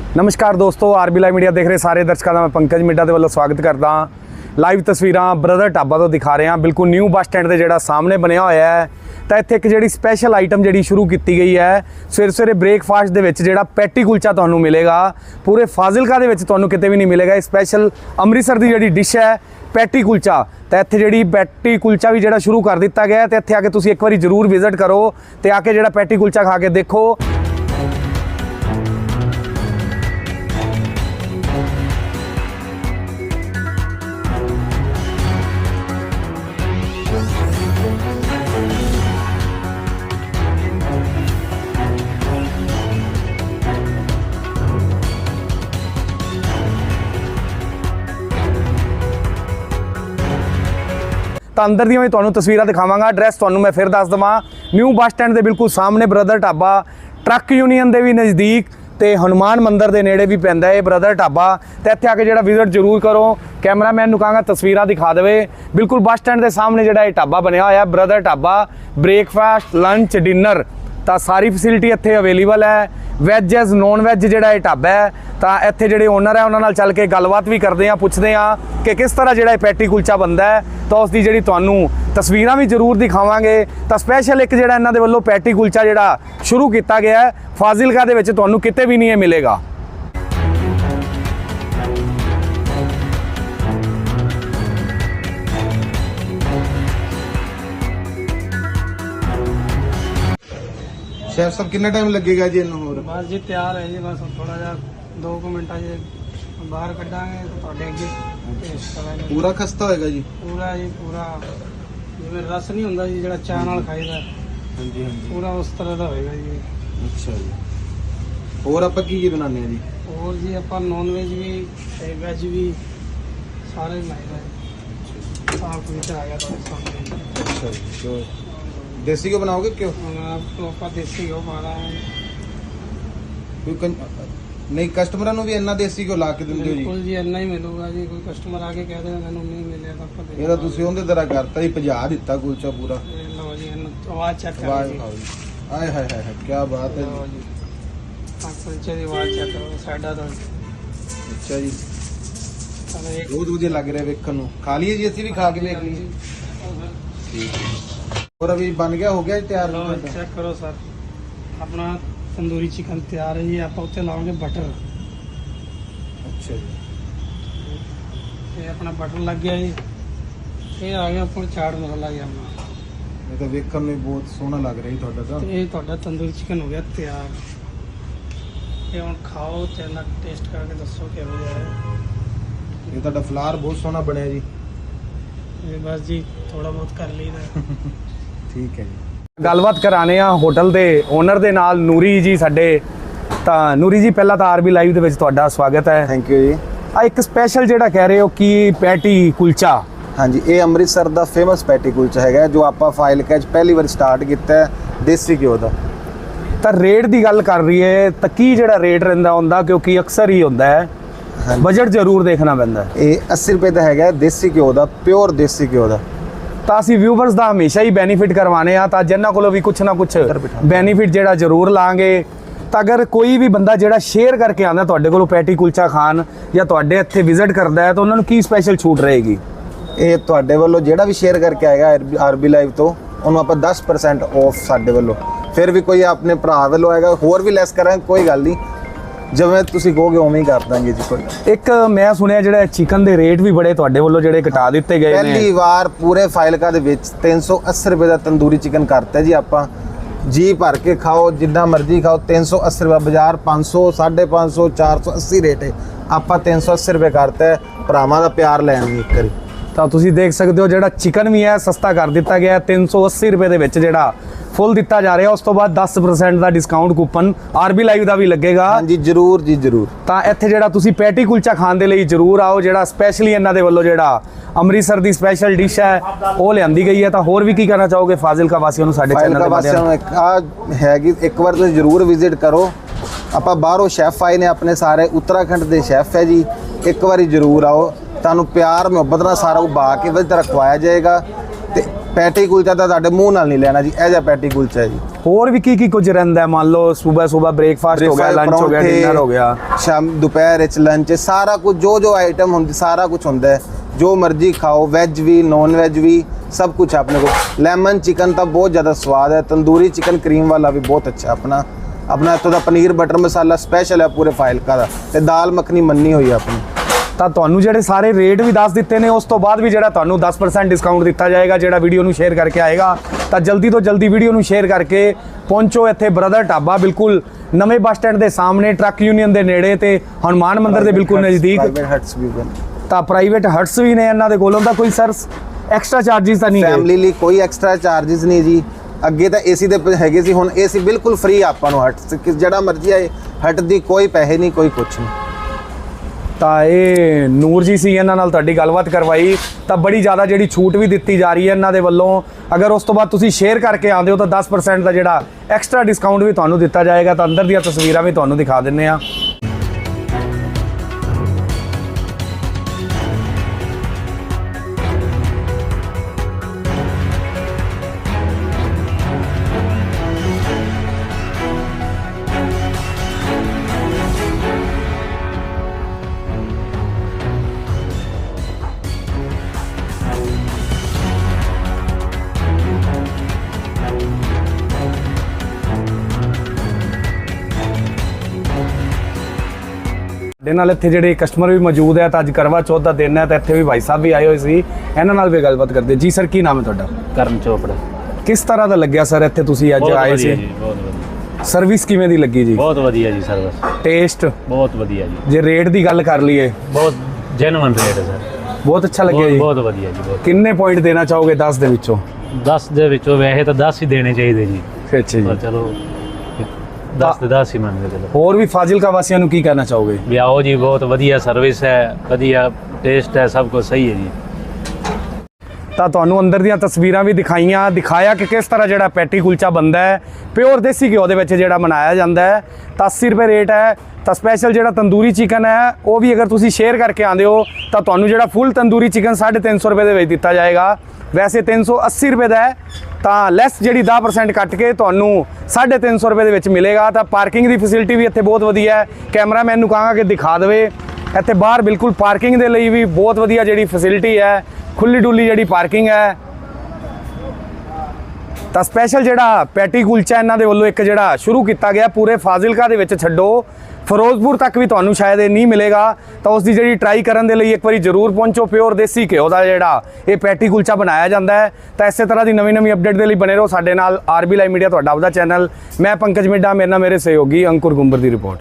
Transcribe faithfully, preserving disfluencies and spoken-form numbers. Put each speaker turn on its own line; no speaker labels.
नमस्कार दोस्तों, RB live media देख रहे सारे दर्शकों का मैं पंकज मिड्डा के वालों स्वागत करता हाँ। लाइव तस्वीरां ब्रदर ढाबा तो दिखा रहे हैं, बिल्कुल न्यू बस स्टैंड के जोड़ा सामने बनया होया है। तो इत्थे एक जी स्पैशल आइटम जी शुरू की गई है। सवेरे सवेरे ब्रेकफास्ट के जोड़ा पैटी कुलचा तो मिलेगा, पूरे फाजिलका तो कितने भी नहीं मिलेगा। स्पैशल अमृतसर की जी डिश है पैटी कुलचा। तो इत्थे जी पैटी कुलचा भी जो शुरू कर दिता गया है। तो इत्थे आके तुसीं एक बार जरूर विजिट करो तो आके जो पैटी कुलचा खा के देखो। तो अंदर दी मैं तुहानूं तस्वीरां दिखावांगा। एड्रैस तुहानूं मैं फिर दस देवां, न्यू बस स्टैंड के बिल्कुल सामने ब्रदर ढाबा, ट्रक यूनीयन के भी नज़दीक तो हनुमान मंदिर के नेड़े भी पैंदा है ब्रदर ढाबा। तो इत्थे आके जो विजिट जरूर करो। कैमरामैन नूं कहांगा तस्वीरां दिखा देवे। बिल्कुल बस स्टैंड के सामने जो ये ढाबा बनया होया brother dhaba, breakfast lunch dinner तो सारी फैसिलिटी इत्थे अवेलेबल है। वैज एज नॉन वैज जो ये ढाबा है। तो इत्थे जिहड़े ओनर है उन्हां नाल चल के गलबात भी करते हैं, पुछते हैं कि किस तरह जो पैटी कुलचा बनता है। तो उसकी जी तुहानूं तस्वीरां भी जरूर दिखावांगे। तो स्पैशल एक जिहड़ा इन्हां दे वल्लों पैटी कुलचा जिहड़ा शुरू किया गया है फाजिलका दे विच तुहानूं किते भी नहीं मिलेगा।
शेफ साहब कितना टाइम लगेगा जी इन्हों होर?
बस जी तैयार है जी, बस थोड़ा जा दो कुछ मिनट बाहर कटांगे तो तुहाडे अगे टेस्ट करांगे।
पूरा खस्ता होएगा जी?
पूरा जी पूरा, जिवें रस नहीं हुंदा जी जिहड़ा चाह नाल खाईदा,
हाँ जी हाँ जी,
पूरा उस तरह दा होएगा जी।
अच्छा जी। और आपां की की बनाने हैं जी?
और जी आपां नॉन वेज भी ते वेज भी सारे बनाईदा जी। साफ कुछ आ गया तुहाडे सामने।
अच्छा जी। तो देसी को बनाओगे क्यों?
आपको आपां देसी घ्यो पाना है।
कोई कं... नहीं कस्टमਰਾਂ ਨੂੰ ਵੀ ਇੰਨਾ ਦੇਸੀ ਘਿਓ ਲਾ ਕੇ ਦਿੰਦੇ ਹੋ ਜੀ?
बिल्कुल जी इन्ना ही मिलेगा जी। कोई कस्टमर आके कह देगा मैंने नहीं मिले तो आपां
ਇਹਦਾ ਤੁਸੀਂ ਉਹਦੇ ਤਰ੍ਹਾਂ ਕਰਤਾ ਜੀ, ਭਜਾ ਦਿੱਤਾ ਕੁਲਚਾ ਪੂਰਾ।
लो जी इन्नू आवाज चेक करो
ਆਵਾਜ਼
जी।
ਖਾਓ ਜੀ। ਆਏ ਹਾਏ ਹਾਏ ਕੀ ਬਾਤ ਹੈ
लो
ਜੀ।
जी हाँ कुलचे की आवाज चेक करो साइडा तो
ਅੱਛਾ ਜੀ,
चलो एक
ਬਹੁਤ ਵਧੀਆ ਲੱਗ ਰਿਹਾ ਵੇਖਣ ਨੂੰ। ਖਾ ਲਈਏ ਜੀ, ਅਸੀਂ ਵੀ ਖਾ ਕੇ ਵੇਖ ਲਈਏ। ਠੀਕ ਹੈ। और अभी बन गया, हो गया जी तैयार?
लो चेक करो सर, अपना तंदूरी चिकन तैयार है जी। आप उत्ते लाओगे बटर।
अच्छा जी।
ये अपना बटर लग गया जी। ये आ गया अपना चाट मसाला गया अपना।
ये तो वेखण में बहुत सोहना लग रहा है ਤੁਹਾਡਾ ਤਾਂ।
तो ये ਤੁਹਾਡਾ तंदूरी चिकन हो गया तैयार। ये ਹੁਣ खाओ ਤੇ ਨਾ टेस्ट करके दसो ਕਿਹੋ ਜਿਹਾ है।
ये ਤੁਹਾਡਾ ਫਲਾਰ ਬਹੁਤ ਸੋਹਣਾ ਬਣਿਆ ਜੀ।
ये बस जी थोड़ा बहुत कर लीदा।
ठीक है जी।
गलबात कराने आ होटल के ओनर के नाल नूरी जी साडे। तो नूरी जी पहला तो आरबी लाइव दे विच तुहाडा स्वागत है।
थैंक यू जी।
आ एक स्पैशल जिहड़ा कह रहे हो कि पैटी कुलचा।
हाँ जी, ये अमृतसर का फेमस पैटी कुलचा है जो आप फाइल कैच पहली बार स्टार्ट किया है देसी घ्यो का।
तो रेट की गल कर रही है तो की जिहड़ा रेट रहिंदा हुंदा, क्योंकि अक्सर ही होंदा है बजट जरूर देखना पैंदा है।
ये अस्सी रुपये का है देसी घ्यो का, प्योर देसी घ्यो का।
तो असीं व्यूवर्स का हमेशा ही बेनीफिट करवाने आ, तो जिन्हां कोलों भी कुछ ना कुछ बेनीफिट जिहड़ा जरूर लांगे। तो अगर कोई भी बंदा जिहड़ा शेयर करके आंदा तुहाडे कोलों पैटी कुलचा खान या तुहाडे इत्थे विजिट करदा है तो उन्हां नूं की स्पैशल छूट रहेगी?
ये तुहाडे वालों जिहड़ा भी शेयर करके आएगा आरबी लाइव तो उन्होंने आप दस परसेंट ऑफ साडे वालों। फिर भी कोई अपने भरा वालों आएगा होर भी लैस करांगे, कोई गल नहीं, जिवें तुसीं कहोगे उवें ही कर देंगे जी। कोई
एक मैं सुनिया जिहड़ा चिकन के रेट भी बड़े तुहाडे वालों जिहड़े घटा दिते गए ने।
पहली बार पूरे फाइलका दे विच तीन सौ अस्सी रुपये का तंदूरी चिकन करता जी। आपां जी भर के खाओ, जिन्ना मर्जी खाओ। तीन सौ अस्सी रुपये बाजार पाँच सौ साढ़े पाँच सौ चार सौ अस्सी रेट है, आप तीन सौ अस्सी रुपये करता है। भरावां दा प्यार लैन एक करी।
तो तुसीं देख सकते हो जिहड़ा चिकन भी है सस्ता कर दिता गया है। तीन सौ अस्सी रुपये के विच जिहड़ा फुल दिता जा रहा है। उस तो बाद दस परसेंट का डिस्काउंट कूपन आरबी लाइव का भी लगेगा।
हाँ जी जरूर जी जरूर।
तो इत्थे जिहड़ा तुसीं पैटी कुलचा खाण दे लई जरूर आओ। जिहड़ा स्पैशली इन्हां दे वल्लों जिहड़ा अमृतसर की स्पैशल डिश है वो लियांदी गई है। तो होर भी की कहना चाहोगे फाजिलका वासियों नूं साडे चैनल दे माध्यम
हैगी एक बार तुसीं जरूर विजिट करो। आप बाहरों शैफ आए ने अपने सारे उत्तराखंड के शैफ है जी, एक बार जरूर आओ। तुहानूं प्यार मुहब्बत नाल सारा कुछ बा के वधिया खवाया जाएगा। ते पैटी कुलचा तो तुहाडे मूँह नाल नहीं लेना जी, ऐ जा पैटी कुलचा है जी।
ਹੋਰ ਵੀ ਕੀ ਕੀ ਕੁਝ ਰਹਿੰਦਾ ਹੈ? ਮੰਨ ਲਓ ਸਵੇਰ ਸਵੇਰ ਬ੍ਰੇਕਫਾਸਟ ਹੋ ਗਿਆ, ਲੰਚ ਹੋ ਗਿਆ,
ਪਰੌਂਠੇ,
ਡਿਨਰ ਹੋ ਗਿਆ,
ਸ਼ਾਮ ਦੁਪਹਿਰ ਵਿੱਚ ਲੰਚ, ਸਾਰਾ ਕੁਝ ਜੋ ਜੋ ਆਈਟਮ ਹੁੰਦੀ ਸਾਰਾ ਕੁਝ ਹੁੰਦਾ ਹੈ, ਜੋ ਮਰਜ਼ੀ ਖਾਓ, ਵੈਜ ਵੀ ਨॉन ਵੈਜ ਵੀ सब कुछ है अपने को। लेमन चिकन का बहुत ज़्यादा स्वाद है, तंदूरी चिकन क्रीम वाला भी बहुत अच्छा अपना अपना इतों का पनीर बटर मसाला स्पेशल है पूरे फाइलका का, ते दाल मखनी मन्नी हुई है अपनी।
ਤਾਂ ਤੁਹਾਨੂੰ ਜਿਹੜੇ ਸਾਰੇ ਰੇਟ ਵੀ ਦੱਸ ਦਿੱਤੇ ਨੇ, ਉਸ ਤੋਂ ਬਾਅਦ ਵੀ ਜਿਹੜਾ ਤੁਹਾਨੂੰ ਦਸ ਪਰਸੈਂਟ ਡਿਸਕਾਊਂਟ ਦਿੱਤਾ ਜਾਏਗਾ ਜਿਹੜਾ ਵੀਡੀਓ ਨੂੰ ਸ਼ੇਅਰ ਕਰਕੇ ਆਏਗਾ। ਤਾਂ ਜਲਦੀ ਤੋਂ ਜਲਦੀ ਵੀਡੀਓ ਨੂੰ ਸ਼ੇਅਰ ਕਰਕੇ ਪਹੁੰਚੋ ਇੱਥੇ ਬ੍ਰਦਰ ਢਾਬਾ, ਬਿਲਕੁਲ ਨਵੇਂ ਬੱਸ ਸਟੈਂਡ ਦੇ ਸਾਹਮਣੇ, ਟਰੱਕ ਯੂਨੀਅਨ ਦੇ ਨੇੜੇ ਤੇ ਹਨੂਮਾਨ ਮੰਦਿਰ ਦੇ ਬਿਲਕੁਲ ਨਜ਼ਦੀਕ।
प्राइवेट हट्स भी बन,
ਤਾਂ ਪ੍ਰਾਈਵੇਟ ਹਟਸ ਵੀ ਨੇ ਇਹਨਾਂ ਦੇ ਕੋਲੋਂ। ਤਾਂ ਕੋਈ ਸਰ ਐਕਸਟਰਾ ਚਾਰजेस ਤਾਂ ਨਹੀਂ ਹੈ?
ਫੈਮਿਲੀ ਲਈ ਕੋਈ ਐਕਸਟਰਾ ਚਾਰजेस ਨਹੀਂ ਜੀ। ਅੱਗੇ ਤਾਂ ਏਸੀ ਦੇ ਹੈਗੇ ਸੀ, ਹੁਣ ਏਸੀ ਬਿਲਕੁਲ ਫ੍ਰੀ ਆਪਾਂ ਨੂੰ ਹਟ ਕਿ ਜਿਹੜਾ ਮਰਜ਼ੀ ਆਏ, ਹਟ ਦੀ ਕੋਈ ਪੈਸੇ ਨਹੀਂ, ਕੋਈ ਕੁਛ ਨਹੀਂ।
ਤਾਂ ਇਹ ਨੂਰ ਜੀ ਸੀ, ਇਹਨਾਂ ਨਾਲ ਤੁਹਾਡੀ ਗੱਲਬਾਤ ਕਰਵਾਈ। ਤਾਂ ਬੜੀ ਜ਼ਿਆਦਾ ਜਿਹੜੀ ਛੂਟ ਵੀ ਦਿੱਤੀ ਜਾ ਰਹੀ ਹੈ ਇਹਨਾਂ ਦੇ ਵੱਲੋਂ। ਅਗਰ ਉਸ ਤੋਂ ਬਾਅਦ ਤੁਸੀਂ ਸ਼ੇਅਰ ਕਰਕੇ ਆਉਂਦੇ ਹੋ ਤਾਂ ਦਸ ਪਰਸੈਂਟ ਦਾ ਜਿਹੜਾ ਐਕਸਟਰਾ ਡਿਸਕਾਊਂਟ ਵੀ ਤੁਹਾਨੂੰ ਦਿੱਤਾ ਜਾਏਗਾ। ਤਾਂ ਅੰਦਰ ਦੀਆਂ ਤਸਵੀਰਾਂ ਵੀ ਤੁਹਾਨੂੰ ਦਿਖਾ ਦਿੰਨੇ ਆ। ਸਾਡੇ ਨਾਲ ਇੱਥੇ ਜਿਹੜੇ ਕਸਟਮਰ ਵੀ ਮੌਜੂਦ ਹੈ। ਤਾਂ ਅੱਜ ਕਰਵਾ ਚੌਥ ਦਾ ਦਿਨ ਹੈ ਤਾਂ ਇੱਥੇ ਵੀ ਭਾਈ ਸਾਹਿਬ ਵੀ ਆਏ ਹੋਏ ਸੀ, ਇਹਨਾਂ ਨਾਲ ਵੀ ਗੱਲਬਾਤ ਕਰਦੇ। ਜੀ ਸਰ, ਕੀ ਨਾਮ ਹੈ ਤੁਹਾਡਾ?
ਕਰਨ ਚੋਪੜਾ।
ਕਿਸ ਤਰ੍ਹਾਂ ਦਾ ਲੱਗਿਆ ਸਰ ਇੱਥੇ ਤੁਸੀਂ ਅੱਜ
ਬਹੁਤ
ਆਏ
ਵਧੀਆ
ਸੀ?
ਜੀ, ਬਹੁਤ ਵਧੀਆ,
ਸਰਵਿਸ ਕਿਵੇਂ ਦੀ ਲੱਗੀ ਜੀ?
ਬਹੁਤ ਵਧੀਆ ਜੀ ਸਰਵਿਸ,
ਟੇਸਟ?
ਬਹੁਤ ਵਧੀਆ ਜੀ,
ਜੇ ਰੇਟ ਦੀ ਗੱਲ ਕਰ ਲਈਏ,
ਬਹੁਤ ਜੈਨੂਇਨ ਰੇਟ ਹੈ ਸਰ,
ਬਹੁਤ ਅੱਛਾ ਲੱਗਿਆ
ਬਹੁਤ
ਜੀ।
ਬਹੁਤ ਵਧੀਆ ਜੀ, ਬਹੁਤ।
ਕਿੰਨੇ ਪੁਆਇੰਟ ਦੇਣਾ ਚਾਹੋਗੇ ਦਸ ਦੇ ਵਿੱਚੋਂ?
ਦਸ ਦੇ ਵਿੱਚੋਂ ਵੈਸੇ ਤਾਂ ਦਸ ਹੀ ਦੇਣੇ ਚਾਹੀਦੇ ਜੀ,
ਅੱਛਾ
ਪਰ
ਜੀ।
ਚਲੋ ਦਸ ਤੇ ਦਸ ਹੀ ਮੰਨ ਕੇ ਚਲੋ।
ਹੋਰ ਵੀ ਫਾਜ਼ਿਲਕਾ ਵਾਸੀਆਂ ਨੂੰ ਕੀ ਕਹਿਣਾ ਚਾਹੋਗੇ?
ਵੀ ਆਓ ਜੀ, ਬਹੁਤ ਵਧੀਆ ਸਰਵਿਸ ਹੈ, ਵਧੀਆ ਟੇਸਟ ਹੈ, ਸਭ ਕੁਝ ਸਹੀ ਹੈ ਜੀ।
ਤਾਂ ਤੁਹਾਨੂੰ ਅੰਦਰ ਦੀਆਂ ਤਸਵੀਰਾਂ ਵੀ ਦਿਖਾਈਆਂ, ਦਿਖਾਇਆ ਕਿ ਕਿਸ ਤਰ੍ਹਾਂ ਜਿਹੜਾ ਪੈਟੀ ਕੁਲਚਾ ਬਣਦਾ ਹੈ, ਪਿਓਰ ਦੇਸੀ ਘਿਓ ਦੇ ਵਿੱਚ ਜਿਹੜਾ ਬਣਾਇਆ ਜਾਂਦਾ ਹੈ। ਤਾਂ ਅੱਸੀ ਰੁਪਏ ਰੇਟ ਹੈ। ਤਾਂ ਸਪੈਸ਼ਲ ਜਿਹੜਾ ਤੰਦੂਰੀ ਚਿਕਨ ਹੈ ਉਹ ਵੀ ਅਗਰ ਤੁਸੀਂ ਸ਼ੇਅਰ ਕਰਕੇ ਆਉਂਦੇ ਹੋ ਤਾਂ ਤੁਹਾਨੂੰ ਜਿਹੜਾ ਫੁੱਲ ਤੰਦੂਰੀ ਚਿਕਨ ਸਾਢੇ ਤਿੰਨ ਸੌ ਰੁਪਏ ਦੇ ਵਿੱਚ ਦਿੱਤਾ ਜਾਏਗਾ। ਵੈਸੇ ਤਿੰਨ ਸੌ ਅੱਸੀ ਰੁਪਏ ਦਾ ਹੈ, ਤਾਂ ਲੈਸ ਜਿਹੜੀ ਦਸ ਪਰਸੈਂਟ ਕੱਟ ਕੇ ਤੁਹਾਨੂੰ ਸਾਢੇ ਤਿੰਨ ਸੌ ਰੁਪਏ ਦੇ ਵਿੱਚ ਮਿਲੇਗਾ। ਤਾਂ ਪਾਰਕਿੰਗ ਦੀ ਫੈਸਿਲਿਟੀ ਵੀ ਇੱਥੇ ਬਹੁਤ ਵਧੀਆ ਹੈ। ਕੈਮਰਾਮੈਨ ਨੂੰ ਕਹਾਂਗਾ ਕਿ ਦਿਖਾ ਦੇਵੇ। ਇੱਥੇ ਬਾਹਰ ਬਿਲਕੁਲ ਪਾਰਕਿੰਗ ਦੇ ਲਈ ਵੀ ਬਹੁਤ ਵਧੀਆ ਜਿਹੜੀ ਫੈਸਿਲਿਟੀ ਹੈ, ਖੁੱਲੀ ਡੁੱਲੀ ਜਿਹੜੀ ਪਾਰਕਿੰਗ ਹੈ। ਤਾਂ ਸਪੈਸ਼ਲ ਜਿਹੜਾ ਪੈਟੀ ਕੁਲਚਾ ਇਹਨਾਂ ਦੇ ਵੱਲੋਂ ਇੱਕ ਜਿਹੜਾ ਸ਼ੁਰੂ ਕੀਤਾ ਗਿਆ, ਪੂਰੇ ਫਾਜ਼ਿਲਕਾ ਦੇ ਵਿੱਚ ਛੱਡੋ ਫਿਰੋਜ਼ਪੁਰ ਤੱਕ ਵੀ ਤੁਹਾਨੂੰ ਸ਼ਾਇਦ ਇਹ ਨਹੀਂ ਮਿਲੇਗਾ। ਤਾਂ ਉਸ ਦੀ ਜਿਹੜੀ ਟਰਾਈ ਕਰਨ ਦੇ ਲਈ ਇੱਕ ਵਾਰੀ ਜ਼ਰੂਰ ਪਹੁੰਚੋ। ਪਿਓਰ ਦੇਸੀ ਘਿਓ ਦਾ ਜਿਹੜਾ ਇਹ ਪੈਟੀ ਕੁਲਚਾ ਬਣਾਇਆ ਜਾਂਦਾ ਹੈ। ਤਾਂ ਇਸੇ ਤਰ੍ਹਾਂ ਦੀ ਨਵੀਂ ਨਵੀਂ ਅਪਡੇਟ ਦੇ ਲਈ ਬਣੇ ਰਹੋ ਸਾਡੇ ਨਾਲ। ਆਰਬੀ ਲਾਈਵ ਮੀਡੀਆ ਤੁਹਾਡਾ ਆਪਦਾ ਚੈਨਲ। ਮੈਂ ਪੰਕਜ ਮਿੱਡਾ, ਮੇਰੇ ਨਾਲ ਮੇਰੇ ਸਹਿਯੋਗੀ ਅੰਕੁਰ ਗੁੰਬਰ ਦੀ ਰਿਪੋਰਟ।